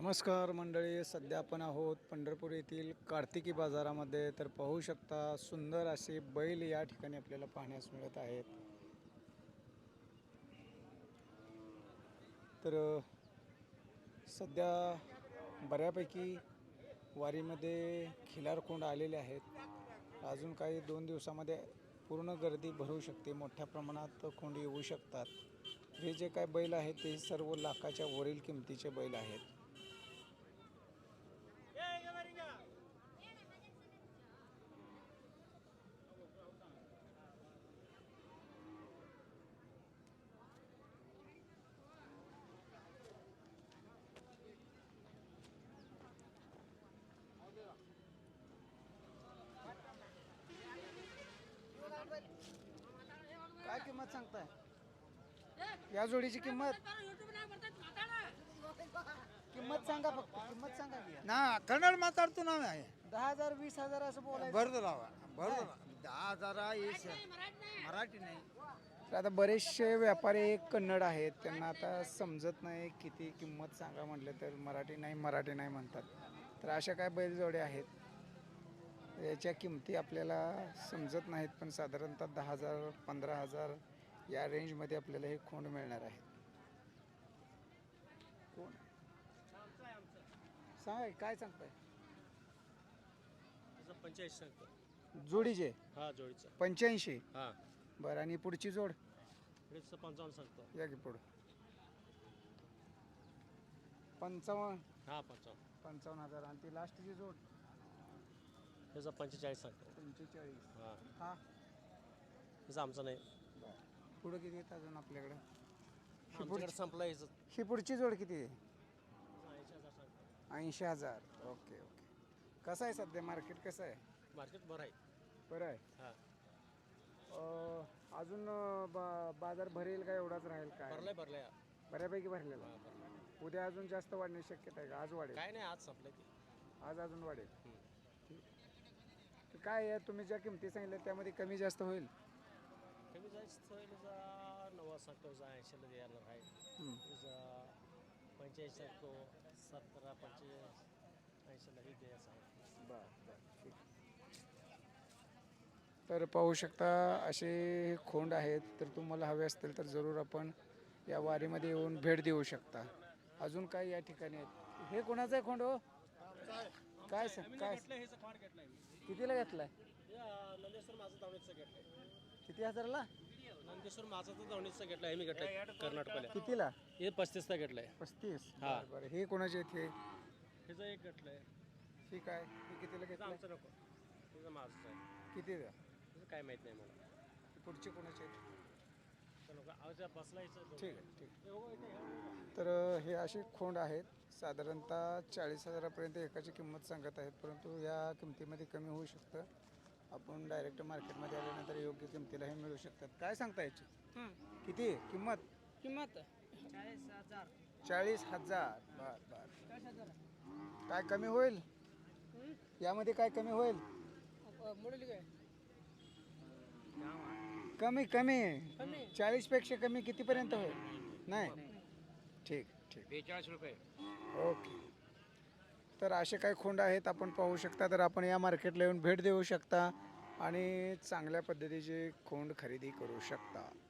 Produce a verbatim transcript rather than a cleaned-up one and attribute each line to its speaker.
Speaker 1: नमस्कार मंडळी, सध्या आपण आहोत पंढरपूर येथील कार्तिकी बाजारामध्ये. तर पाहू शकता सुंदर असे बैल या ठिकाणी आपल्याला पाहण्यास मिळत आहेत. तर सध्या बऱ्यापैकी वारीमध्ये खिलार कोंड आलेले आहेत. अजून काही दोन दिवसामध्ये पूर्ण गर्दी भरू शकते, मोठ्या प्रमाणात कोंड येऊ शकतात. हे जे काय बैल आहेत ते सर्व लाखाच्या वरील किमतीचे बैल आहेत. काय किंमत सांगताय या जोडीची? किंमत किंमत सांगा, फक्त किंमत सांगा की.
Speaker 2: ना कन्नड माताಡ್ತು ನಾವೇ
Speaker 1: दहा हजार वीस हजार असं बोलायचं.
Speaker 2: ಬರ್ದಲ್ಲ ಬರ್ದಲ್ಲ दहा हजार येस मराठी नाही.
Speaker 1: तर आता बरेचसे व्यापारी कन्नड आहेत, त्यांना आता समजत नाही किती किंमत सांगा म्हटलं तर मराठी नाही मराठी नाही म्हणतात. तर अशा काय बैलजोडे आहेत, याच्या किमती आपल्याला समजत नाहीत, पण साधारणतः दहा हजार पंधरा हजार या रेंजमध्ये आपल्याला हे खोंड मिळणार आहे. कोण सांगा काय सांगताय?
Speaker 3: पंच्याऐंशी सांगतो
Speaker 1: जोडीचे
Speaker 3: हा जोडीचा
Speaker 1: पंच्याऐंशी.
Speaker 3: हा
Speaker 1: बरं, आणि पुढची जोड
Speaker 3: जोडीचा पंचावन्न सांगतो.
Speaker 1: या की पुढं पंचावन्न.
Speaker 3: हा पंचावन्न
Speaker 1: पंचावन्न हजार. आणि ती लास्टची जोड
Speaker 3: त्याचा पंचेचाळीस सांगतो.
Speaker 1: पंचेचाळीस.
Speaker 3: हा
Speaker 1: हा
Speaker 3: त्याचा आमचा नाही.
Speaker 1: पुढं किती येत अजून आपल्याकडं? ही
Speaker 3: आमच्याकडे
Speaker 1: पुढची
Speaker 3: संपला याचं
Speaker 1: ही पुढची जोड किती आहे?
Speaker 3: ऐंशी हजार सांगतो.
Speaker 1: ऐंशी हजार. Okay okay. कसं आहे सध्या मार्केट, कसं आहे?
Speaker 3: मार्केट बरं आहे.
Speaker 1: बरं आहे.
Speaker 3: हा
Speaker 1: अं, अजून अं, बा बाजार भरेल का एवढाच राहील काय?
Speaker 3: भरलाय भरलाय
Speaker 1: बऱ्यापैकी भरलेला.
Speaker 3: हा भरलाय.
Speaker 1: उद्या अजून जास्त वाढण्याची शक्यता आहे का? आज वाढेल?
Speaker 3: काय नाही आज संपलं की.
Speaker 1: आज अजून वाढेल.
Speaker 3: हम्म.
Speaker 1: ठीक. तर काय आहे, तुम्ही ज्या किमती सांगितल्या त्यामध्ये कमी जास्त होईल?
Speaker 3: कमी जायचं त्याचा नव्वद सांगतो, त्याचा ऐंशीला द्यायला आहे.
Speaker 1: हम्म.
Speaker 3: त्याचा पंच्याऐंशी सांगतो, सतरा पंचेचाळीस ऐंशीलाही द्यायचं आहे.
Speaker 1: बरं बरं ठीक. तर पाहू शकता असे खोंड आहेत. तर तुम्हाला हवे असतील तर जरूर आपण या वारीमध्ये येऊन भेट देऊ शकता. अजून काय या ठिकाणी आहेत? हे कोणाचं आहे खोंड हो? काय सांग काय कितीला घेतलाय?
Speaker 3: नंदेश्वर माझं धावणीचं घेतलंय.
Speaker 1: किती हजारला?
Speaker 3: नंदेश्वर माझं तर धावणीचं घेतलं आहे. मी घेतलंय कर्नाटकला.
Speaker 1: कितीला?
Speaker 3: हे पस्तीसचा घेतलंय.
Speaker 1: पस्तीस.
Speaker 3: हा.
Speaker 1: बरं बरं. हे कोणाचे आहेत हे?
Speaker 3: ह्याचं एक घेतलंय.
Speaker 1: ठीक आहे. हे कितीला
Speaker 3: त्याचं
Speaker 1: घेतलं?
Speaker 3: आमचं नको, त्याचं माझंच आहे.
Speaker 1: किती द्या?
Speaker 3: त्याचं काय माहीत नाही मला.
Speaker 1: पुढचे कोणाचे आहेत?
Speaker 3: तर नको आवाजा बसला याचं.
Speaker 1: ठीक आहे ठीक आहे. तर अ, हे असे खोंड आहेत. साधारणतः चाळीस हजारापर्यंत एकाची किंमत सांगत आहेत, परंतु या किमतीमध्ये कमी होऊ शकतं. आपण डायरेक्ट मार्केटमध्ये आल्यानंतर योग्य किमतीला हे मिळू शकतात. काय सांगता याची किती आहे किंमत?
Speaker 4: किंमत चाळीस हजार.
Speaker 1: चाळीस हजार. बर बर. काय कमी होईल यामध्ये? काय कमी होईल?
Speaker 4: मोडली काय
Speaker 1: कमी कमी
Speaker 4: कमी
Speaker 1: चाळीस पेक्षा कमी कितीपर्यंत होईल? नाही. ठीक ठीक.
Speaker 3: बेचाळीस रुपये.
Speaker 1: ओके. तर असे काही खोंड आहेत, आपण पाहू शकता. तर आपण या मार्केटला येऊन भेट देऊ शकता आणि चांगल्या पद्धतीचे खोंड खरेदी करू शकता.